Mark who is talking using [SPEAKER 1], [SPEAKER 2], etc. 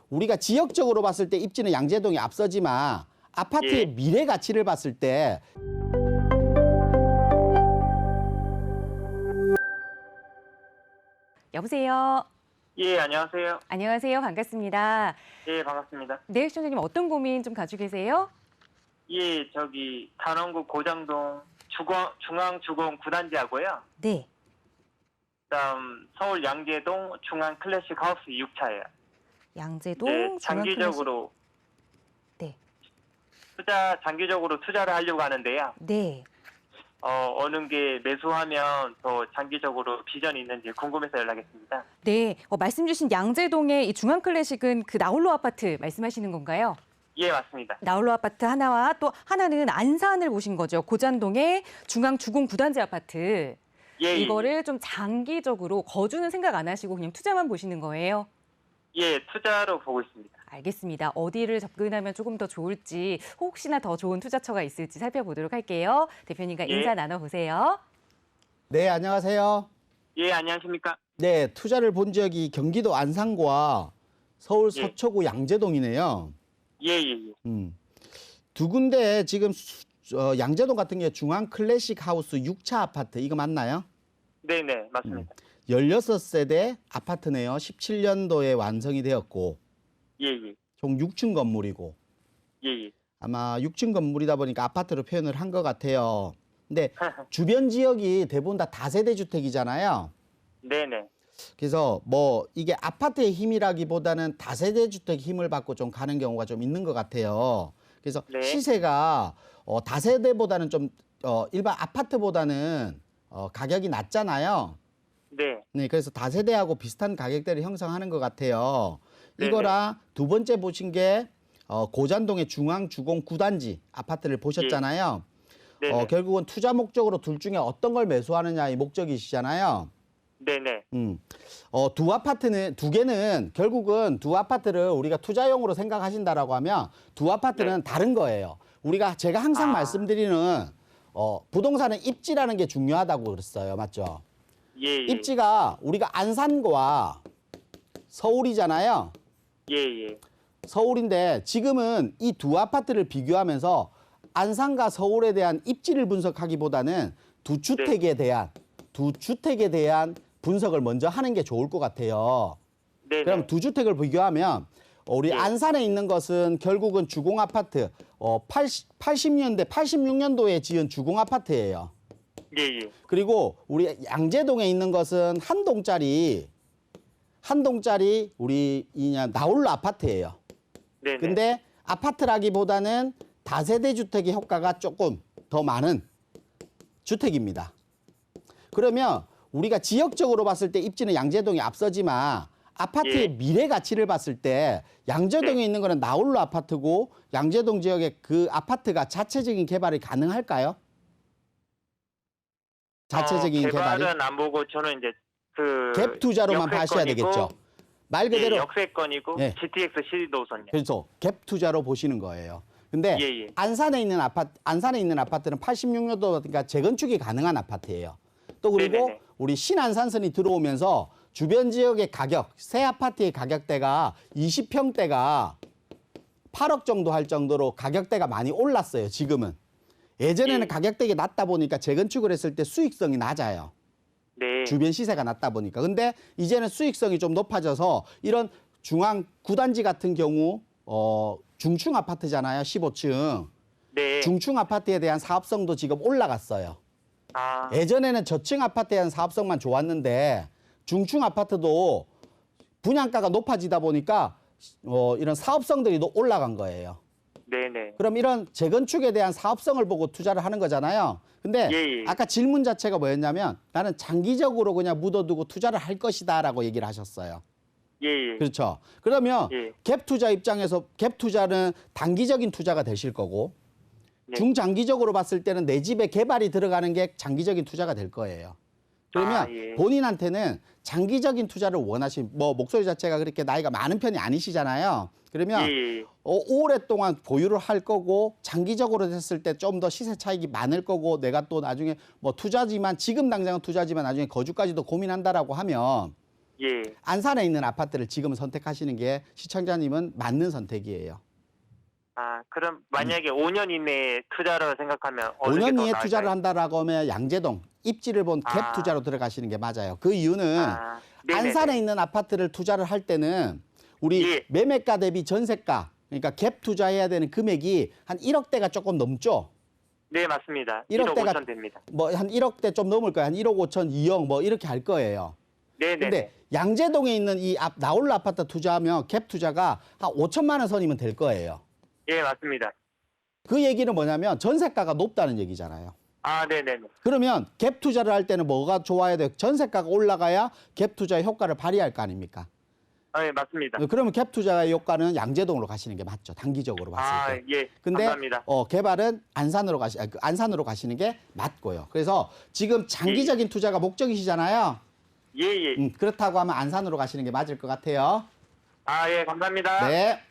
[SPEAKER 1] 우리가 지역적으로 봤을 때 입지는 양재동이 앞서지만 아파트의
[SPEAKER 2] 예.
[SPEAKER 1] 미래 가치를 봤을 때
[SPEAKER 3] 여보세요.
[SPEAKER 2] 예, 안녕하세요.
[SPEAKER 3] 안녕하세요. 반갑습니다.
[SPEAKER 2] 예, 반갑습니다.
[SPEAKER 3] 네, 시청자님 어떤 고민 좀 가지고 계세요?
[SPEAKER 2] 예, 저기 단원구 고장동 중앙주공 9단지하고요.
[SPEAKER 3] 네.
[SPEAKER 2] 그다음 서울 양재동 중앙 클래식 하우스 6차예요.
[SPEAKER 3] 양재동
[SPEAKER 2] 네,
[SPEAKER 3] 중앙
[SPEAKER 2] 장기적으로
[SPEAKER 3] 네.
[SPEAKER 2] 장기적으로 투자를 하려고 하는데요.
[SPEAKER 3] 네.
[SPEAKER 2] 어느 게 매수하면 더 장기적으로 비전이 있는지 궁금해서 연락했습니다.
[SPEAKER 3] 네. 말씀 주신 양재동의 이 중앙 클래식은 그 나홀로 아파트 말씀하시는 건가요?
[SPEAKER 2] 예, 맞습니다.
[SPEAKER 3] 나홀로 아파트 하나와 또 하나는 안산을 보신 거죠. 고잔동의 중앙 주공 9단지 아파트.
[SPEAKER 2] 예,
[SPEAKER 3] 이거를 좀 장기적으로 거주는 생각 안 하시고 그냥 투자만 보시는 거예요?
[SPEAKER 2] 예, 투자로 보고 있습니다.
[SPEAKER 3] 알겠습니다. 어디를 접근하면 조금 더 좋을지 혹시나 더 좋은 투자처가 있을지 살펴보도록 할게요. 대표님과
[SPEAKER 2] 예.
[SPEAKER 3] 인사 나눠보세요.
[SPEAKER 1] 네, 안녕하세요.
[SPEAKER 2] 예, 안녕하십니까?
[SPEAKER 1] 네, 투자를 본 지역이 경기도 안산과 서울
[SPEAKER 2] 예.
[SPEAKER 1] 서초구 양재동이네요.
[SPEAKER 2] 예, 예, 예.
[SPEAKER 1] 두 군데 지금 양재동 같은 게 중앙 클래식 하우스 6차 아파트 이거 맞나요?
[SPEAKER 2] 네, 네, 맞습니다.
[SPEAKER 1] 16세대 아파트네요. 17년도에 완성이 되었고
[SPEAKER 2] 예, 예.
[SPEAKER 1] 총 6층 건물이고
[SPEAKER 2] 예, 예.
[SPEAKER 1] 아마 6층 건물이다 보니까 아파트로 표현을 한 것 같아요. 근데 주변 지역이 대부분 다 다세대 주택이잖아요.
[SPEAKER 2] 네, 네.
[SPEAKER 1] 그래서 뭐 이게 아파트의 힘이라기보다는 다세대 주택 힘을 받고 좀 가는 경우가 좀 있는 것 같아요. 그래서
[SPEAKER 2] 네.
[SPEAKER 1] 시세가 다세대보다는 좀 일반 아파트보다는 가격이 낮잖아요.
[SPEAKER 2] 네.
[SPEAKER 1] 네, 그래서 다세대하고 비슷한 가격대를 형성하는 것 같아요.
[SPEAKER 2] 네네.
[SPEAKER 1] 이거랑 두 번째 보신 게 고잔동의 중앙주공 9단지 아파트를 보셨잖아요.
[SPEAKER 2] 네네.
[SPEAKER 1] 결국은 투자 목적으로 둘 중에 어떤 걸 매수하느냐의 목적이시잖아요.
[SPEAKER 2] 네네.
[SPEAKER 1] 두 개는 결국은 두 아파트를 우리가 투자용으로 생각하신다라고 하면 두 아파트는 다른 거예요. 제가 항상 말씀드리는 부동산은 입지라는 게 중요하다고 그랬어요. 맞죠?
[SPEAKER 2] 예, 예.
[SPEAKER 1] 입지가 우리가 안산과 서울이잖아요.
[SPEAKER 2] 예, 예.
[SPEAKER 1] 서울인데 지금은 이 두 아파트를 비교하면서 안산과 서울에 대한 입지를 분석하기보다는 두 주택에 대한 분석을 먼저 하는 게 좋을 것 같아요.
[SPEAKER 2] 네네.
[SPEAKER 1] 그럼 두 주택을 비교하면 우리
[SPEAKER 2] 예.
[SPEAKER 1] 안산에 있는 것은 결국은 주공 아파트 80년대, 86년도에 지은 주공 아파트예요.
[SPEAKER 2] 예, 예.
[SPEAKER 1] 그리고 우리 양재동에 있는 것은 한 동짜리 우리 나홀로 아파트예요.
[SPEAKER 2] 네네.
[SPEAKER 1] 근데 아파트라기보다는 다세대 주택의 효과가 조금 더 많은 주택입니다. 그러면 우리가 지역적으로 봤을 때 입지는 양재동이 앞서지만 아파트의
[SPEAKER 2] 예.
[SPEAKER 1] 미래 가치를 봤을 때 양재동에
[SPEAKER 2] 네.
[SPEAKER 1] 있는 거는 나홀로 아파트고 양재동 지역의 그 아파트가 자체적인 개발이 가능할까요? 자체적인 개발이?
[SPEAKER 2] 개발은 안 보고 저는 이제
[SPEAKER 1] 갭 투자로만 봐셔야 되겠죠. 말 그대로
[SPEAKER 2] 예, 역세권이고
[SPEAKER 1] 예.
[SPEAKER 2] GTX 시도선이요.
[SPEAKER 1] 그래서 갭 투자로 보시는 거예요. 근데
[SPEAKER 2] 예, 예.
[SPEAKER 1] 안산에 있는 아파트는 86년도니까 재건축이 가능한 아파트예요. 또 그리고
[SPEAKER 2] 네네네.
[SPEAKER 1] 우리 신안산선이 들어오면서 주변 지역의 가격, 새 아파트의 가격대가 20평대가 8억 정도 할 정도로 가격대가 많이 올랐어요. 지금은. 예전에는
[SPEAKER 2] 예.
[SPEAKER 1] 가격대가 낮다 보니까 재건축을 했을 때 수익성이 낮아요.
[SPEAKER 2] 네.
[SPEAKER 1] 주변 시세가 낮다 보니까. 근데 이제는 수익성이 좀 높아져서 이런 중앙 9단지 같은 경우 중층 아파트잖아요. 15층.
[SPEAKER 2] 네.
[SPEAKER 1] 중층 아파트에 대한 사업성도 지금 올라갔어요.
[SPEAKER 2] 아,
[SPEAKER 1] 예전에는 저층 아파트에 대한 사업성만 좋았는데 중층 아파트도 분양가가 높아지다 보니까 이런 사업성들이 올라간 거예요.
[SPEAKER 2] 네네.
[SPEAKER 1] 그럼 이런 재건축에 대한 사업성을 보고 투자를 하는 거잖아요. 근데
[SPEAKER 2] 예, 예.
[SPEAKER 1] 아까 질문 자체가 뭐였냐면 나는 장기적으로 그냥 묻어두고 투자를 할 것이다라고 얘기를 하셨어요.
[SPEAKER 2] 예, 예.
[SPEAKER 1] 그렇죠. 그러면
[SPEAKER 2] 예.
[SPEAKER 1] 갭 투자 입장에서 갭 투자는 단기적인 투자가 되실 거고
[SPEAKER 2] 네.
[SPEAKER 1] 중장기적으로 봤을 때는 내 집에 개발이 들어가는 게 장기적인 투자가 될 거예요. 그러면
[SPEAKER 2] 예.
[SPEAKER 1] 본인한테는 장기적인 투자를 목소리 자체가 그렇게 나이가 많은 편이 아니시잖아요. 그러면
[SPEAKER 2] 예, 예.
[SPEAKER 1] 오랫동안 보유를 할 거고 장기적으로 됐을 때 좀 더 시세 차익이 많을 거고 내가 또 나중에 지금 당장은 투자지만 나중에 거주까지도 고민한다라고 하면
[SPEAKER 2] 예.
[SPEAKER 1] 안산에 있는 아파트를 지금 선택하시는 게 시청자님은 맞는 선택이에요.
[SPEAKER 2] 아, 그럼 만약에 5년 이내에 투자를 생각하면 어느 게
[SPEAKER 1] 5년
[SPEAKER 2] 더
[SPEAKER 1] 이에
[SPEAKER 2] 나을까요?
[SPEAKER 1] 투자를 한다라고 하면 양재동 입지를 본 갭
[SPEAKER 2] 아.
[SPEAKER 1] 투자로 들어가시는 게 맞아요. 그 이유는
[SPEAKER 2] 아, 네네네.
[SPEAKER 1] 안산에 있는 아파트를 투자를 할 때는 우리
[SPEAKER 2] 예.
[SPEAKER 1] 매매가 대비 전세가 그러니까 갭 투자해야 되는 금액이 한 1억대가 조금 넘죠.
[SPEAKER 2] 네, 맞습니다.
[SPEAKER 1] 1억
[SPEAKER 2] 1억
[SPEAKER 1] 대가
[SPEAKER 2] 5천 됩니다.
[SPEAKER 1] 뭐 한 1억대 좀 넘을 거예요. 한 1억 5천, 2억 뭐 이렇게 할 거예요.
[SPEAKER 2] 네네.
[SPEAKER 1] 근데 양재동에 있는 이 나홀로 아파트 투자하면 갭 투자가 한 5천만 원 선이면 될 거예요.
[SPEAKER 2] 예, 맞습니다.
[SPEAKER 1] 그 얘기는 뭐냐면 전세가가 높다는 얘기잖아요.
[SPEAKER 2] 아, 네네네.
[SPEAKER 1] 그러면 갭 투자를 할 때는 뭐가 좋아야 돼요? 전세가가 올라가야 갭 투자의 효과를 발휘할 거 아닙니까?
[SPEAKER 2] 아, 예, 맞습니다.
[SPEAKER 1] 그러면 갭 투자의 효과는 양재동으로 가시는 게 맞죠. 단기적으로
[SPEAKER 2] 아,
[SPEAKER 1] 봤을 때.
[SPEAKER 2] 예.
[SPEAKER 1] 근데
[SPEAKER 2] 감사합니다.
[SPEAKER 1] 개발은 안산으로 가시는 게 맞고요. 그래서 지금 장기적인 투자가 목적이시잖아요.
[SPEAKER 2] 예, 예.
[SPEAKER 1] 그렇다고 하면 안산으로 가시는 게 맞을 것 같아요.
[SPEAKER 2] 아, 예, 감사합니다.
[SPEAKER 1] 네.